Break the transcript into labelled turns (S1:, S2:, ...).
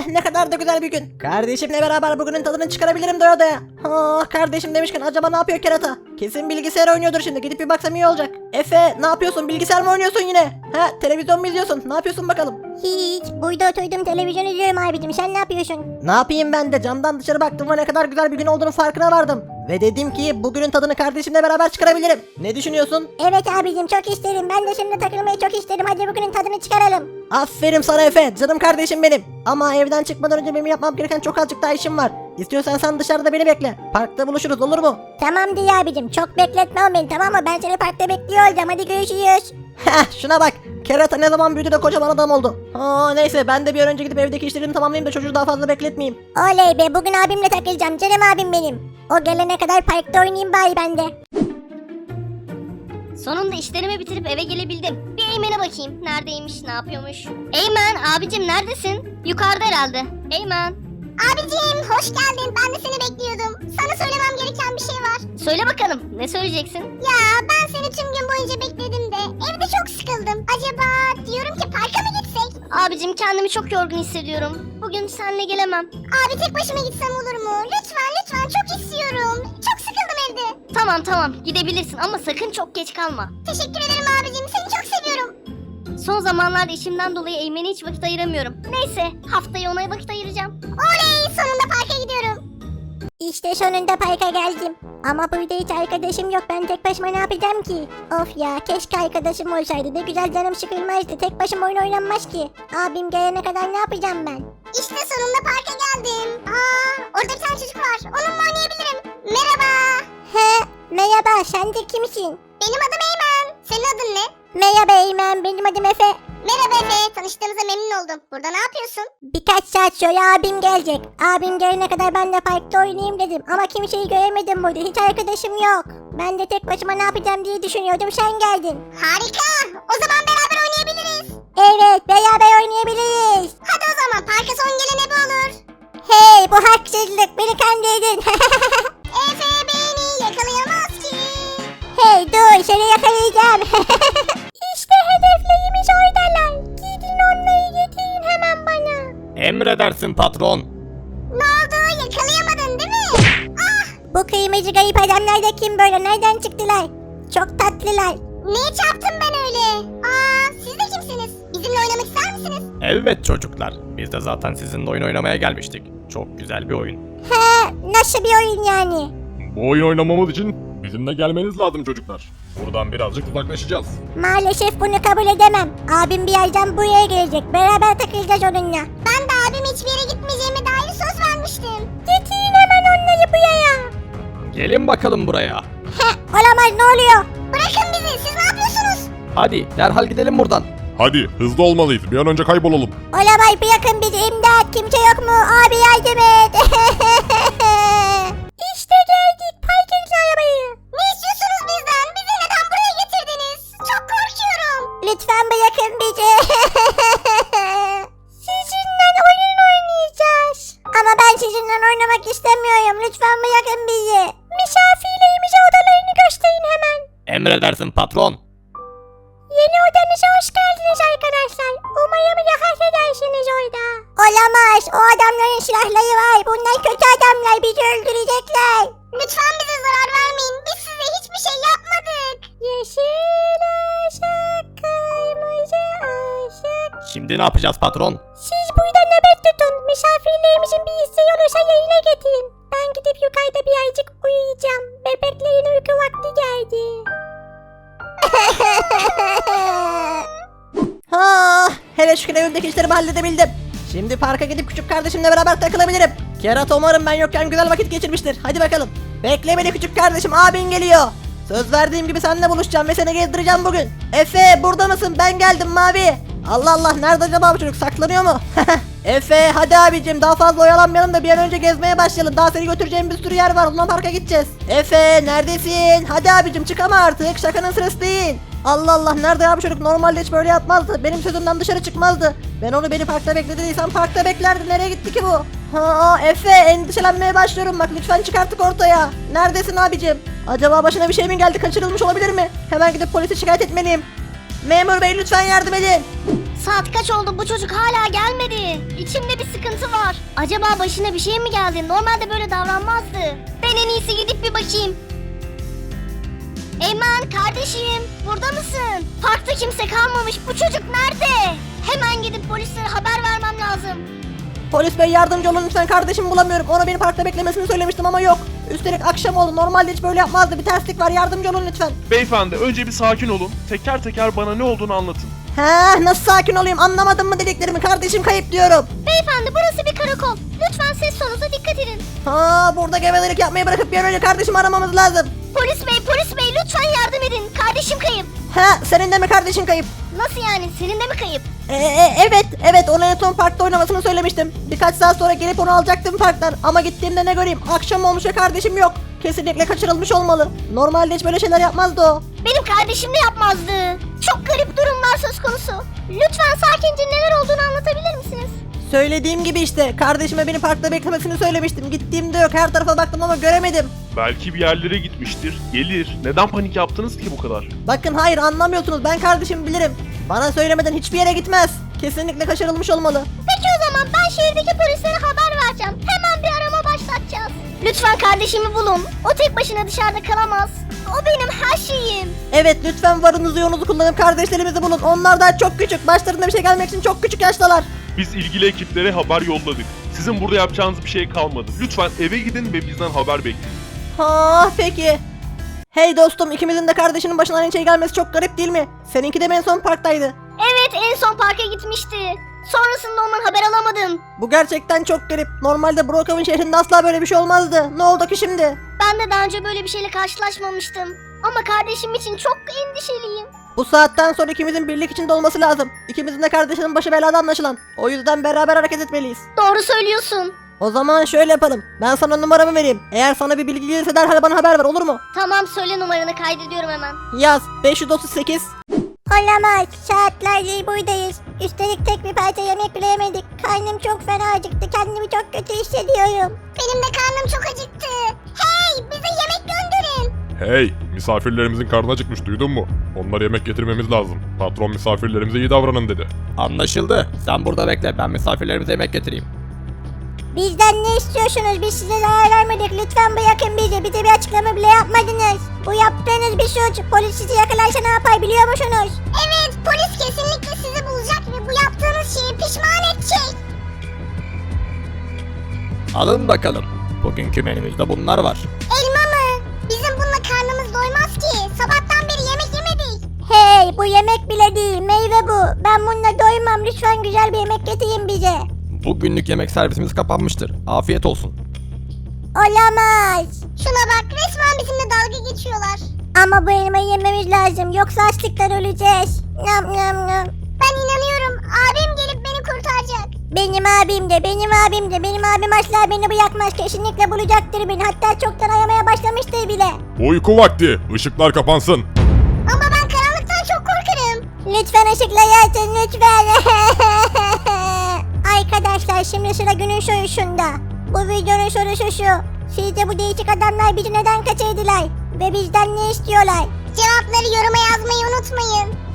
S1: ne kadar da güzel bir gün. Kardeşimle beraber bugünün tadını çıkarabilirim doya doya. Kardeşim demişken acaba ne yapıyor kerata? Kesin bilgisayar oynuyordur şimdi, gidip bir baksam iyi olacak. Efe ne yapıyorsun, bilgisayar mı oynuyorsun yine? Televizyon mu izliyorsun, ne yapıyorsun bakalım?
S2: Hiç. Burada oturdum televizyon izliyorum abicim. Sen ne yapıyorsun?
S1: Ne yapayım, ben de camdan dışarı baktım ve ne kadar güzel bir gün olduğunu farkına vardım. Ve dedim ki bugünün tadını kardeşimle beraber çıkarabilirim. Ne düşünüyorsun?
S2: Evet abicim, çok isterim. Ben de şimdi takılmayı çok isterim. Hadi bugünün tadını çıkaralım.
S1: Aferin sana Efe, canım kardeşim benim. Ama evden çıkmadan önce benim yapmam gereken çok azıcık daha işim var. İstiyorsan sen dışarıda beni bekle. Parkta buluşuruz, olur mu?
S2: Tamam diye abicim. Çok bekletme o beni, tamam mı? Ben seni parkta bekliyor olacağım. Hadi görüşürüz.
S1: Şuna bak. Kerata ne zaman büyüdü de kocaman adam oldu. Neyse, ben de bir an önce gidip evdeki işlerimi tamamlayayım da çocuğu daha fazla bekletmeyeyim.
S2: Oley be, bugün abimle takılacağım. Canım abim benim. O gelene kadar parkta oynayayım bari ben de.
S3: Sonunda işlerimi bitirip eve gelebildim. Bir Eymen'e bakayım. Neredeymiş, ne yapıyormuş? Eymen, abicim neredesin? Yukarıda herhalde. Eymen.
S2: Abicim hoş geldin. Ben de seni bekliyordum. Sana söylemem gereken bir şey var.
S3: Söyle bakalım, ne söyleyeceksin?
S2: Ya ben seni tüm gün boyunca bekledim de evde çok sıkıldım. Acaba diyorum ki parka mı gitsek?
S3: Abicim kendimi çok yorgun hissediyorum. Bugün seninle gelemem.
S2: Abi tek başıma gitsem olur mu? Lütfen lütfen, çok istiyorum. Çok sıkıldım evde.
S3: Tamam gidebilirsin ama sakın çok geç kalma.
S2: Teşekkür ederim abicim. Seni çok seviyorum.
S3: Son zamanlarda işimden dolayı Eymen'e hiç vakit ayıramıyorum. Neyse, haftaya ona vakit ayıracağım.
S2: Oley, sonunda parka gidiyorum. İşte sonunda parka geldim. Ama burada hiç arkadaşım yok. Ben tek başıma ne yapacağım ki? Of ya, keşke arkadaşım olsaydı. Ne güzel, canım sıkılmazdı. Tek başıma oyun oynanmaz ki. Abim gelene kadar ne yapacağım ben? İşte sonunda parka geldim. Orada bir tane çocuk var. Onunla oynayabilirim. Merhaba. Merhaba, sen de kimsin? Benim adım Eymen. Senin adın ne? Merhaba Eymen, benim adım Efe. Merhaba Efe, tanıştığımıza memnun oldum. Burada ne yapıyorsun? Birkaç saat sonra abim gelecek. Abim gelene kadar ben de parkta oynayayım dedim. Ama kimseyi göremedim burada. Hiç arkadaşım yok. Ben de tek başıma ne yapacağım diye düşünüyordum. Sen geldin. Harika. O zaman beraber oynayabiliriz. Evet, beraber oynayabiliriz. Hadi o zaman parka son gelen ebe olur. Hey, bu haksızlık. Beni kandırdın. Efe beni yakalayamaz ki. Hey dur, seni yakalayacağım. İşte hedeflerimiz oradalar. Gidin onları getirin hemen bana.
S4: Emredersin patron.
S2: Ne oldu, yakalayamadın değil mi? Bu kıymacı garip adamlar da kim böyle, nereden çıktılar? Çok tatlılar. Niye çarptım ben öyle? Siz de kimsiniz? Bizimle oynamak ister misiniz?
S4: Evet çocuklar. Biz de zaten sizinle oyun oynamaya gelmiştik. Çok güzel bir oyun.
S2: Nasıl bir oyun yani?
S4: Bu oyun oynamamız için bizimle gelmeniz lazım çocuklar. Buradan birazcık uzaklaşacağız.
S2: Maalesef bunu kabul edemem. Abim birazdan buraya gelecek. Beraber takılacağız onunla. Ben de abim hiçbir yere gitmeyeceğime dair söz vermiştim. Getirin hemen onları buraya.
S4: Gelin bakalım buraya.
S2: Olamaz, ne oluyor? Bırakın bizi, siz ne yapıyorsunuz?
S4: Hadi derhal gidelim buradan.
S5: Hadi hızlı olmalıyız. Bir an önce kaybolalım.
S2: Olamaz, bırakın bizi, imdat. Kimse yok mu? Abi yardım et. İşte geldik. Park edin arabayı. Ne istiyorsunuz bizden? Bizi neden buraya getirdiniz? Çok korkuyorum. Lütfen bırakın bizi. Sizinle oyun oynayacağız. Ama ben sizinle oynamak istemiyorum. Lütfen bırakın bizi. Misafirlerimize odalarını gösterin hemen.
S4: Emredersin patron.
S2: Yeni odanıza hoş geldiniz arkadaşlar. Umarım rahat edersiniz orada. Olamaz. O adamların silahları var. Bunlar kötü adamlar. Bizi öldürecekler. Lütfen bize zarar vermeyin. Biz size hiçbir şey yapmadık. Yeşil ışık, kırmızı ışık.
S4: Şimdi ne yapacağız patron?
S2: Siz burada nöbet tutun. Misafirlerimizin bir isteği olursa yayına getirin. Ben gidip yukarıda birazcık uyuyacağım. Bebeklerin uyku vakti geldi.
S1: Hele şükür evimdeki işlerimi halledebildim. Şimdi parka gidip küçük kardeşimle beraber takılabilirim. Kerata umarım ben yokken güzel vakit geçirmiştir. Hadi bakalım. Bekle beni küçük kardeşim, abin geliyor. Söz verdiğim gibi seninle buluşacağım ve seni gezdireceğim bugün. Efe burada mısın? Ben geldim mavi. Allah Allah, nerede acaba bu çocuk, saklanıyor mu? Efe hadi abicim, daha fazla oyalanmayalım da bir an önce gezmeye başlayalım. Daha seni götüreceğim bir sürü yer var, Luna Park'a gideceğiz. Efe neredesin? Hadi abicim çık ama artık, şakanın sırası değil. Allah Allah, nerede ya bu çocuk? Normalde hiç böyle yapmazdı. Benim sözümden dışarı çıkmazdı. Ben onu beni parkta beklediysem parkta beklerdi. Nereye gitti ki bu? Efe, endişelenmeye başlıyorum bak, lütfen çık artık ortaya. Neredesin abicim? Acaba başına bir şey mi geldi, kaçırılmış olabilir mi? Hemen gidip polise şikayet etmeliyim. Memur bey lütfen yardım edin.
S3: Saat kaç oldu, bu çocuk hala gelmedi. İçimde bir sıkıntı var. Acaba başına bir şey mi geldi? Normalde böyle davranmazdı. Ben en iyisi gidip bir bakayım. Eymen kardeşim, burada mısın? Parkta kimse kalmamış. Bu çocuk nerede? Hemen gidip polislere haber vermem lazım.
S1: Polis bey yardımcı olun lütfen, kardeşimi bulamıyorum. Ona beni parkta beklemesini söylemiştim ama yok. Üstelik akşam oldu. Normalde hiç böyle yapmazdı. Bir terslik var. Yardımcı olun lütfen.
S6: Beyefendi önce bir sakin olun. Teker teker bana ne olduğunu anlatın.
S1: He, nasıl sakin olayım? Anlamadın mı dediklerimi? Kardeşim kayıp diyorum.
S3: Beyefendi burası bir karakol. Lütfen ses tonunuza dikkat edin.
S1: Ha, burada gevezelik yapmayı bırakıp bir an önce kardeşimi aramamız lazım.
S3: Polis bey lütfen yardım edin. Kardeşim kayıp.
S1: He, senin de mi kardeşin kayıp?
S3: Nasıl yani? Senin de mi kayıp?
S1: Evet, ona en son parkta oynamasını söylemiştim. Birkaç saat sonra gelip onu alacaktım parktan. Ama gittiğimde ne göreyim? Akşam olmuş ve kardeşim yok. Kesinlikle kaçırılmış olmalı. Normalde hiç böyle şeyler yapmazdı o.
S3: Benim kardeşim de yapmazdı. Çok garip durumlar söz konusu. Lütfen sakince neler olduğunu anlatabilir misiniz?
S1: Söylediğim gibi işte, kardeşime beni parkta beklemesini söylemiştim. Gittiğimde yok, her tarafa baktım ama göremedim.
S6: Belki bir yerlere gitmiştir. Gelir. Neden panik yaptınız ki bu kadar?
S1: Bakın hayır, anlamıyorsunuz, ben kardeşimi bilirim. Bana söylemeden hiçbir yere gitmez. Kesinlikle kaçırılmış olmalı.
S3: Peki o zaman ben şehirdeki polislere haber vereceğim. Hemen bir arama başlatacağız. Lütfen kardeşimi bulun. O tek başına dışarıda kalamaz. O benim her şeyim.
S1: Evet, lütfen varınızı yoğunuzu kullanıp kardeşlerimizi bulun. Onlar daha çok küçük, başlarında bir şey gelmek için çok küçük yaştalar.
S6: Biz ilgili ekiplere haber yolladık. Sizin burada yapacağınız bir şey kalmadı. Lütfen eve gidin ve bizden haber bekleyin.
S1: Ha peki. Hey dostum, ikimizin de kardeşinin başına aynı şey gelmesi çok garip değil mi? Seninki de en son parktaydı.
S3: Evet en son parka gitmişti. Sonrasında ondan haber alamadım.
S1: Bu gerçekten çok garip. Normalde Brookhaven şehrinde asla böyle bir şey olmazdı. Ne oldu ki şimdi?
S3: Ben de daha önce böyle bir şeyle karşılaşmamıştım. Ama kardeşim için çok endişeliyim.
S1: Bu saatten sonra ikimizin birlik içinde olması lazım. İkimizin de kardeşinin başı belada anlaşılan. O yüzden beraber hareket etmeliyiz.
S3: Doğru söylüyorsun.
S1: O zaman şöyle yapalım. Ben sana numaramı vereyim. Eğer sana bir bilgi gelirse derhal bana haber ver, olur mu?
S3: Tamam söyle, numaranı kaydediyorum hemen.
S1: Yaz 538.
S2: Olamaz. Saatlerdir buradayız. Üstelik tek bir parça yemek bile yemedik. Karnım çok fena acıktı. Kendimi çok kötü hissediyorum.
S3: Benim de karnım çok acıktı. Hey, bize yemek gönderin.
S5: Hey, misafirlerimizin karnı acıkmış, duydun mu? Onlara yemek getirmemiz lazım. Patron misafirlerimize iyi davranın dedi.
S7: Anlaşıldı. Sen burada bekle. Ben misafirlerimize yemek getireyim.
S2: Bizden ne istiyorsunuz? Biz size zarar vermedik. Lütfen bırakın bizi. Bize bir açıklama bile yapmadınız. Bu yaptığınız bir suç. Polis sizi yakalarsa ne yapar biliyor musunuz?
S3: Evet, polis kesinlikle sizi bulacak ve bu yaptığınız şeyi pişman edecek.
S7: Alın bakalım. Bugünkü menümüzde bunlar var.
S3: Elma mı? Bizim bununla karnımız doymaz ki. Sabahtan beri yemek yemedik.
S2: Hey, bu yemek bile değil. Meyve bu. Ben bununla doymam. Lütfen güzel bir yemek getirin bize.
S7: Bugünlük yemek servisimiz kapanmıştır. Afiyet olsun.
S2: Olamaz.
S3: Şuna bak, resmen bizimle dalga geçiyorlar.
S2: Ama bu elmayı yememiz lazım. Yoksa açlıktan öleceğiz. Nam nam nam.
S3: Ben inanıyorum, abim gelip beni kurtaracak.
S2: Benim abim de, benim abim de. Benim abim asla beni bırakmaz. Kesinlikle bulacaktır beni. Hatta çoktan aramaya başlamıştır bile.
S5: Uyku vakti. Işıklar kapansın.
S3: Ama ben karanlıktan çok korkarım.
S2: Lütfen ışıkları açın lütfen. Arkadaşlar şimdi sıra günün sorusunda. Bu videonun sorusu şu. Sizce bu değişik adamlar bizi neden kaçırdılar? Ve bizden ne istiyorlar?
S3: Cevapları yoruma yazmayı unutmayın.